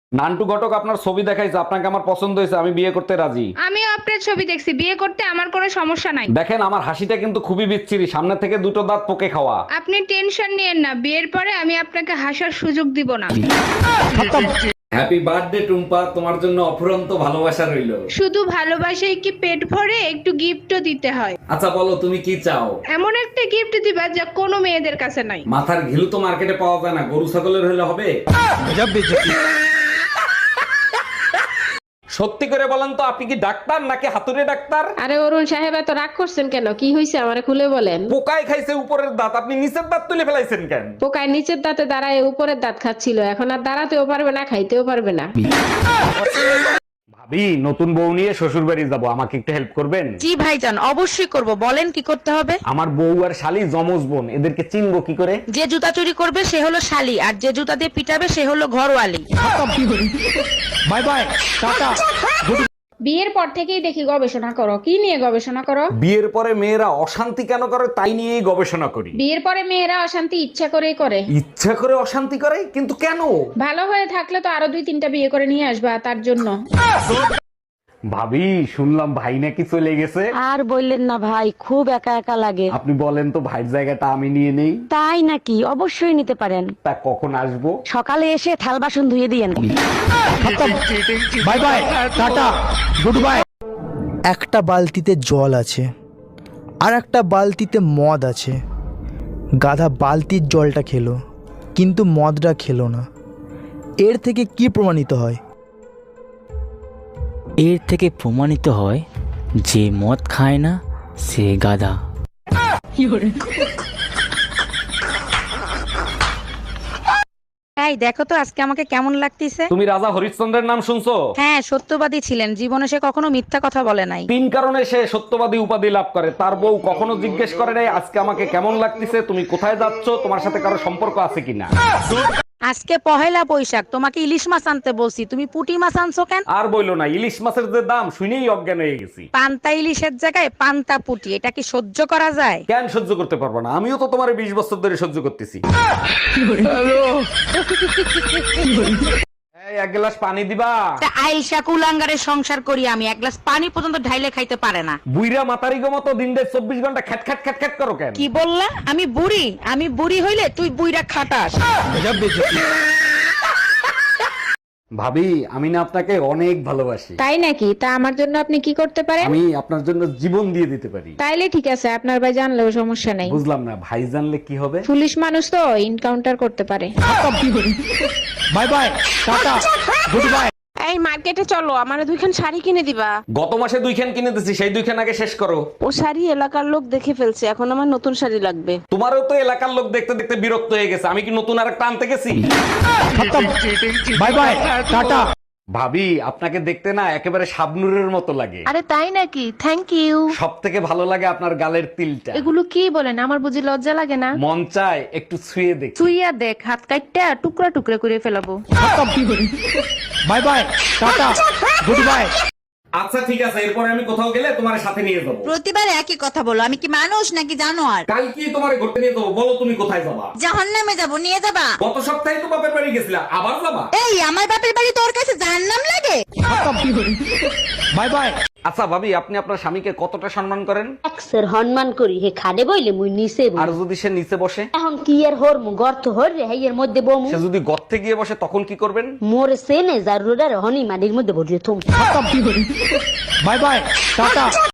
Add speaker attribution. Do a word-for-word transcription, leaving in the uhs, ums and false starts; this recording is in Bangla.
Speaker 1: নান্টু ঘটক আপনার ছবি দেখাইছে, আপনাকে আমার পছন্দ হয়েছে, আমি বিয়ে করতে রাজি।
Speaker 2: আমিও আপনার ছবি দেখছি, বিয়ে করতে আমার কোনো সমস্যা নাই।
Speaker 1: দেখেন আমার হাসিটা কিন্তু খুবই বিচ্ছিরি, সামনে থেকে দুটো দাঁত পোকে খাওয়া।
Speaker 2: আপনি টেনশন নিয়েন না, বিয়ের পরে আমি আপনাকে হাসার সুযোগ দিব না।
Speaker 1: হ্যাপি বার্থডে টুম্পা, তোমার জন্য অফুরন্ত ভালোবাসা রইলো।
Speaker 2: শুধু ভালোবাসায় কি পেট ভরে, একটু গিফটও দিতে হয়।
Speaker 1: আচ্ছা বলো তুমি কি চাও?
Speaker 2: এমন একটা গিফট দিবা যা কোনো মেয়েদের কাছে নাই।
Speaker 1: মাথার ঘিলু তো মার্কেটে পাওয়া যায় না, গরু ছাগলের হলে হবে। সত্যি করে বলেন তো, আপনি কি ডাক্তার নাকি হাতুড়ে ডাক্তার?
Speaker 3: আরে অরুণ সাহেব, এত রাগ করছেন কেন? কি হয়েছে আমারে খুলে বলেন।
Speaker 1: পোকায় খাইছে উপরের দাঁত, আপনি নিচের দাঁত তুলে ফেলাইছেন কেন?
Speaker 3: পোকায় নিচের দাঁতে দাঁড়ায় উপরের দাঁত খাচ্ছিল, এখন আর দাঁড়াতেও পারবে না, খাইতেও পারবে না।
Speaker 1: ভাবি, নতুন বউ নিয়ে শ্বশুর বাড়ি যাবো, আমাকে একটু হেল্প করবেন?
Speaker 4: জি ভাইজান, অবশ্যই করব, বলেন কি করতে হবে।
Speaker 1: আমার বউ আর শালি জমজ বোন, এদেরকে চিনবো কি করে?
Speaker 4: যে জুতা চুরি করবে সে হলো শালি, আর যে জুতা দিয়ে পিটাবে সে হলো ঘরওয়ালি।
Speaker 1: By bye, tata.
Speaker 3: বিয়ের পর থেকেই দেখি গবেষণা করো। কি নিয়ে গবেষণা করো?
Speaker 1: বিয়ের পরে মেয়েরা অশান্তি কেন করে তাই নিয়েই গবেষণা করি।
Speaker 3: বিয়ের পরে মেয়েরা অশান্তি ইচ্ছা করেই করে।
Speaker 1: ইচ্ছা করে অশান্তি করে, কিন্তু কেন?
Speaker 3: ভালো হয়ে থাকলে তো আরো দুই তিনটা বিয়ে করে নিয়ে আসবা, তার জন্য।
Speaker 1: ভাবি, শুনলাম ভাই নাকি চলে গেছে।
Speaker 5: আর বললেন না ভাই, খুব একা একা লাগে।
Speaker 1: আপনি বলেন তো ভাইয়ের জায়গাটা আমি নিয়ে নেই।
Speaker 5: তাই নাকি? অবশ্যই নিতে পারেন।
Speaker 1: তা কখন আসবো?
Speaker 5: সকালে এসে থাল বাসন ধুয়ে দিয়েন।
Speaker 1: Bye bye, tata, goodbye.
Speaker 6: একটা বালতিতে জল আছে আর একটা বালতিতে মদ আছে। গাধা বালতির জলটা খেলো কিন্তু মদটা খেলো না। এর থেকে কি প্রমাণিত হয়?
Speaker 7: এর থেকে প্রমাণিত হয় যে মদ খায় না সে গাধা।
Speaker 4: এই দেখো তো আজকে আমাকে কেমন লাগতেছে।
Speaker 1: তুমি রাজা হরিশ্চন্দ্রের নাম শুনছো?
Speaker 4: হ্যাঁ, সত্যবাদী ছিলেন, জীবনে সে কখনো মিথ্যা কথা বলে নাই।
Speaker 1: তিন কারণে সে সত্যবাদী উপাধি লাভ করে। তার বউ কখনো জিজ্ঞেস করে নাই আজকে আমাকে কেমন লাগতেছে, তুমি কোথায় যাচ্ছ, তোমার সাথে কারো সম্পর্ক আছে কিনা।
Speaker 4: আজকে পহেলা বৈশাখ, তোমাকে ইলিশ মাছ আনতে বলছি, তুমি পুঁটি মাছ আনছো কেন?
Speaker 1: আর বইলো না, ইলিশ মাছের যে দাম শুনেই অজ্ঞান হয়ে গেছি।
Speaker 4: পান্তা ইলিশের জায়গায় পান্তা পুঁটি, এটা কি সহ্য করা যায়?
Speaker 1: কেন সহ্য করতে পারবো না? আমিও তো তোমার বিশ বছর ধরে সহ্য করতেছি। এই, এক গ্লাস পানি দিবা?
Speaker 4: তা আইসা কুলাঙ্গারের সংসার করি আমি, এক গ্লাস পানি পর্যন্ত ঢাইলে খাইতে পারে না।
Speaker 1: বুইরা মাতারি গো মতো দিন দেড় চব্বিশ ঘন্টা খ্যাট খ্যাট খ্যাট খ্যাট করো কেন?
Speaker 4: কি বললা? আমি বুড়ি? আমি বুড়ি হইলে তুই বুইরা খাটাস।
Speaker 1: ভাবি, আমি না আপনাকে অনেক ভালোবাসি।
Speaker 3: তাই নাকি? তা আমার জন্য আপনি কি করতে পারেন?
Speaker 1: আমি আপনার জন্য জীবন দিয়ে দিতে পারি।
Speaker 3: তাইলে ঠিক আছে, আপনার ভাই জানলেও সমস্যা নেই।
Speaker 1: বুঝলাম না, ভাই জানলে কি হবে?
Speaker 3: পুলিশ মানুষ তো এনকাউন্টার করতে পারে।
Speaker 1: Bye bye, tata, goodbye.
Speaker 8: এই মার্কেটে চলো, আমারে দুইখান শাড়ি কিনে দিবা।
Speaker 1: গত মাসে দুইখান কিনে দিছি, সেই দুইখান আগে শেষ করো।
Speaker 8: ও শাড়ি এলাকার লোক দেখে ফেলছে, এখন আমার নতুন শাড়ি লাগবে।
Speaker 1: তোমারও তো এলাকার লোক দেখতে দেখতে বিরক্ত হয়ে গেছে, আমি কি নতুন আরেকটা আনতে গেছি? Bye bye, tata. ভাবি, আপনাকে দেখতে না একেবারে শাবনুরের মতো লাগে।
Speaker 8: আরে তাই নাকি? Thank you.
Speaker 1: সব থেকে ভালো লাগে আপনার গালের তিলটা।
Speaker 8: এগুলো কি বলেন? আমার বুঝি লজ্জা লাগে না?
Speaker 1: মন চায় একটু ছুঁয়ে দেখ।
Speaker 8: তুইয়া দেখ, হাত কাটটা টুকরা টুকরা করে ফেলাবো।
Speaker 1: Bye bye, tata, goodbye. আচ্ছা ঠিক আছে, এরপরে আমি কোথাও গেলে তোমার সাথে নিয়ে যাবো।
Speaker 4: প্রতিবার একই কথা বলো, আমি কি মানুষ নাকি জানোয়ার?
Speaker 1: কাল কি তোমার ঘুরতে নিয়ে যাবো? বলো তুমি কোথায় যাবা?
Speaker 4: জাহান্নামে যাবো, নিয়ে যাবা?
Speaker 1: গত সপ্তাহে তো বাপের বাড়ি গেছিলা, আবার যাবা?
Speaker 4: এই আমার বাপের বাড়ি তোর কাছে জাহান্নাম লাগে?
Speaker 1: Bye bye. আচ্ছা ভাবি, আপনি আপনার স্বামীকে কতটা সম্মান করেন?
Speaker 5: এক্সের সম্মান করি, হে খাদে বইলে মুই নিচে বই।
Speaker 1: আর যদি সে নিচে বসে?
Speaker 5: এখন কি এর হর মু গর্ত হর রে, হেয়ের মধ্যে বমু।
Speaker 1: সে যদি গর্তে গিয়ে বসে তখন কি করবেন?
Speaker 5: মোর সেনে জারুরার হনি মাটির মধ্যে ভরিয়ে থুম।
Speaker 1: By bye, tata.